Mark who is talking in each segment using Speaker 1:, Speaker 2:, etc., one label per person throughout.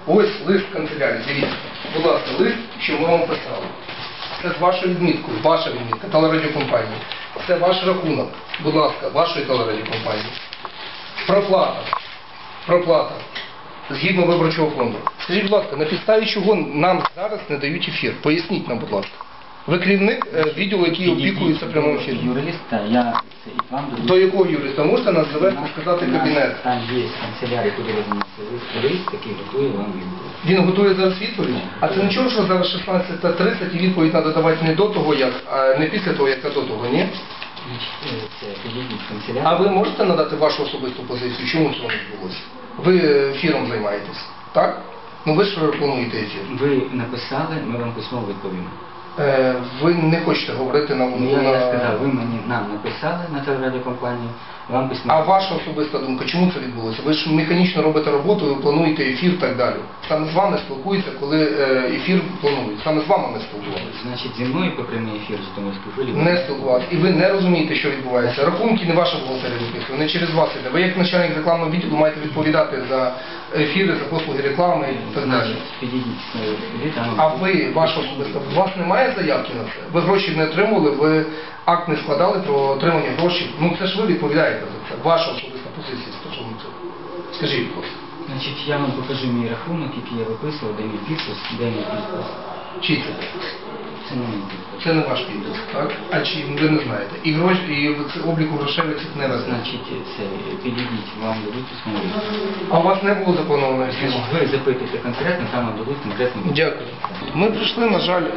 Speaker 1: Ось лист канцелярії, дивіться. Будь ласка, лист, що ми вам писали. Це з вашою відміткою, ваша відмітка, телерадіокомпанії. Це ваш рахунок, будь ласка, вашої телерадіокомпанії. Проплата. Згідно виборчого фонду. Скажіть, будь ласка, на підставі чого нам зараз не дають ефір? Поясніть нам, будь ласка. Ви керівник відділу, який опікується прямим ефіром.
Speaker 2: Юриста, я і вам
Speaker 1: До якого юриста? Можете нас завести, сказати кабінет?
Speaker 2: Там є канцелярія, куди ви занесли лист, який готує вам відповідь.
Speaker 1: Він готує зараз відповідь? А це нічого, що зараз 16:30 і відповідь треба давати не до того, як, а не після того, як, а до того, ні?
Speaker 2: Це підійдіть в канцелярію.
Speaker 1: А ви можете надати вашу особисту позицію? Чому цього не відбулося? Ви ефіром займаєтесь, так? Ну ви ж плануєте ефір.
Speaker 2: Ви написали, ми вам письмово відповімо.
Speaker 1: Ви не хочете говорити на...
Speaker 2: Я сказав, ви нам написали на телерадіокомпанію, вам письмово.
Speaker 1: А ваша особиста думка, чому це відбулося? Ви ж механічно робите роботу, ви плануєте ефір і так далі. Саме з вами спілкуються, коли ефір планують. Саме з вами ми спілкувалися.
Speaker 2: Значить, зі мною по прямий ефір з Житомирської хвилі.
Speaker 1: Не спілкувалися. І ви не розумієте, що відбувається. Рахунки не ваша бухгалтерія виписує, не через вас іде. Ви як начальник рекламного відділу маєте відповідати за ефіри, за послуги реклами і так далі.
Speaker 2: Підійдіть,
Speaker 1: А ви, ваша особиста, у вас немає заявки на це? Ви гроші не отримували, ви акт не складали про отримання грошей. Ну це ж ви відповідаєте за це. Ваша особиста позиція стосовно цього. Скажіть, будь ласка.
Speaker 2: Значить, я вам покажу мій рахунок, який я виписував, де мій підпис, де мій підпис.
Speaker 1: Чий це?
Speaker 2: Це не мій підпис.
Speaker 1: Це не ваш підпис, так? А чи ви не знаєте? І гроші, і обліку грошей ви цих не везете.
Speaker 2: Значить, це підійдіть, вам дадуть письмову відповідь.
Speaker 1: А у вас не було заплановано ефіру?
Speaker 2: Ви запитуєте конкретно, там вам дадуть конкретну відповідь.
Speaker 1: Дякую. Ми прийшли, на жаль,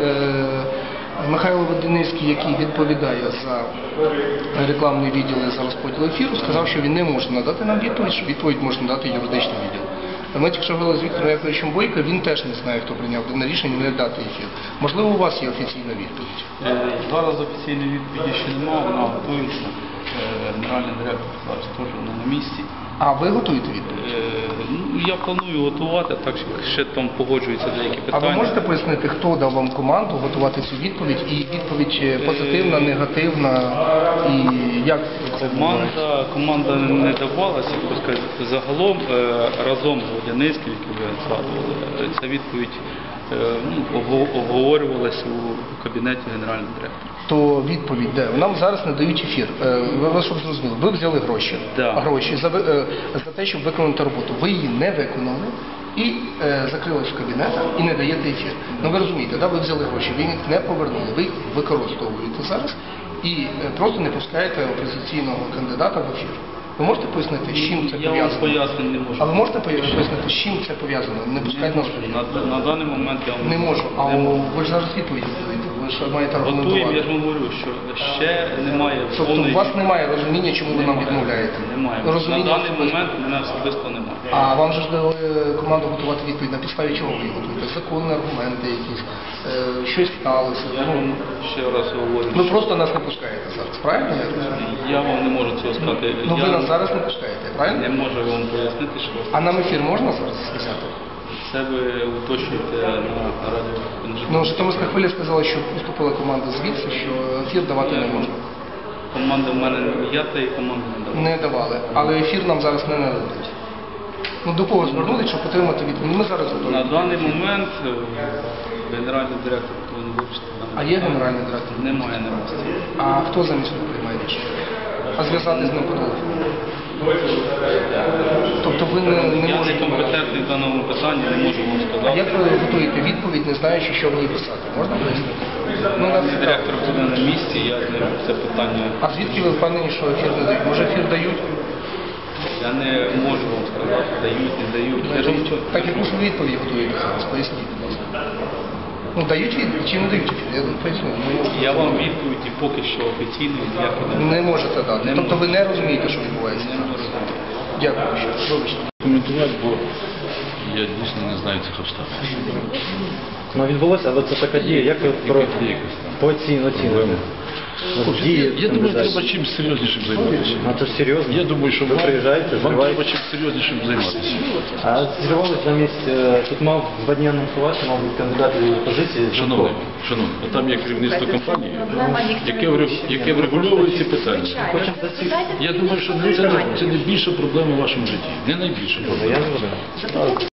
Speaker 1: Михайло Водяницький, який відповідає за рекламний відділ і за розподіл ефіру, сказав, що він не може надати нам відповідь, що відповідь може надати юридичний відділ. Ми тільки що говорили з Віктором Яковлевичем Бойко, він теж не знає, хто прийняв дане рішення не дати ефір. Можливо, у вас є офіційна відповідь?
Speaker 3: Зараз офіційної відповіді ще немає, вона готується. Генеральний директор зараз теж не на місці.
Speaker 1: А ви готуєте відповідь?
Speaker 3: Я планую готувати, так що ще там погоджуються деякі
Speaker 1: А
Speaker 3: питання.
Speaker 1: ви можете пояснити, хто дав вам команду готувати цю відповідь? І відповідь позитивна, негативна? І як це відбувається?
Speaker 3: Команда не давалася, загалом разом з Водяницьким, який ви згадували, ця відповідь обговорювалася у кабінеті генерального директора.
Speaker 1: То відповідь де? Нам зараз не дають ефір. Ви щоб зрозуміли, ви взяли гроші,
Speaker 3: Да.
Speaker 1: гроші за те, щоб виконати роботу. Ви її не виконали і закрились в кабінетах і не даєте ефір. Ну ви розумієте, да? Ви взяли гроші, ви їх не повернули, ви їх використовуєте зараз і просто не пускаєте опозиційного кандидата в ефір. Ви можете пояснити, з чим це
Speaker 3: Я вам
Speaker 1: пов'язано?
Speaker 3: пояснити не можу.
Speaker 1: А ви можете пояснити, з чим це пов'язано? Не пускають нас в ефір?
Speaker 3: На даний момент я вам
Speaker 1: Не можу. А
Speaker 3: не можу.
Speaker 1: ви ж зараз відповіді даєте. Ви ж маєте
Speaker 3: Готуємо, я
Speaker 1: аргументувати.
Speaker 3: ж вам говорю, що ще немає
Speaker 1: Тобто
Speaker 3: повної...
Speaker 1: у вас немає розуміння, чому ви нам відмовляєте?
Speaker 3: Немає.
Speaker 1: Розуміння
Speaker 3: На даний
Speaker 1: особисто.
Speaker 3: момент мене особисто немає.
Speaker 1: А вам же ж дали команду готувати відповідь, на підставі чого ви її готуєте? Законні аргументи якісь, щось сталося.
Speaker 3: Я вам ще раз говорю,
Speaker 1: Ви
Speaker 3: що
Speaker 1: просто нас не пускаєте зараз, правильно? я розумію?
Speaker 3: я вам не можу цього сказати.
Speaker 1: Ну ви
Speaker 3: Я
Speaker 1: нас зараз не пускаєте,
Speaker 3: не
Speaker 1: правильно?
Speaker 3: можу вам пояснити, що
Speaker 1: А нам ефір можна зараз сказати?
Speaker 3: це ви уточнюєте на радіо.
Speaker 1: Ну, Житомирська хвиля сказала, що поступила команда звідси, що ефір давати не можна.
Speaker 3: Команда в мене, я та і команда не дала.
Speaker 1: Не давали, але ефір нам зараз не нададуть. Ну до кого звернулись, щоб отримати відповідь? Ми зараз готові.
Speaker 3: На даний момент генеральний директор повинен вирішити.
Speaker 1: А є генеральний директор?
Speaker 3: Немає на місці.
Speaker 1: А хто замість нього приймає рішення? А зв'язати з ним по телефону? Тобто ви не
Speaker 3: Я не
Speaker 1: можете...
Speaker 3: компетентний в даному питанні, не можу вам
Speaker 1: А
Speaker 3: сказати.
Speaker 1: як ви готуєте відповідь, не знаючи, що в ній писати? Можна пояснити? Ну, нас цікаво.
Speaker 3: Директор буде на місці, я з ним це питання.
Speaker 1: А звідки ви впевнені, що ефір не дають? Може ефір дають?
Speaker 3: Я не можу вам сказати, дають, не дають. Я ж нічого.
Speaker 1: Так яку ж ви відповідь готуєте зараз? Поясніть, будь ласка. Ну, дають відповідь чи не дають ефір? Я поясню. Не можу.
Speaker 3: Я вам відповіді поки що офіційної ніякої не
Speaker 1: Не можете дати.
Speaker 3: Не
Speaker 1: Тобто ви
Speaker 3: можу.
Speaker 1: не розумієте, що відбувається?
Speaker 3: Не можу.
Speaker 1: Дякую. Що. Вибачте.
Speaker 4: Коментувати, бо я дійсно не знаю цих обставин.
Speaker 5: Ну відбулося, але це така дія, як ви по оцінюєте?
Speaker 4: Я думаю, треба чим серйознішим займатися.
Speaker 5: А це ж серйозно?
Speaker 4: Я думаю, що
Speaker 5: ви приїжджаєте,
Speaker 4: вам
Speaker 5: зриваєте.
Speaker 4: треба чим серйознішим займатися.
Speaker 5: А зірвалось замість, тут мав 2 дні анонсувати, мав бути кандидат від опозиції.
Speaker 4: Шановний, там є керівництво компанії, яке врегульовує ці питання.
Speaker 5: Хочемо засікти.
Speaker 4: Я думаю, що це не більша проблема в вашому житті. Не найбільша проблема.
Speaker 5: Я згоден.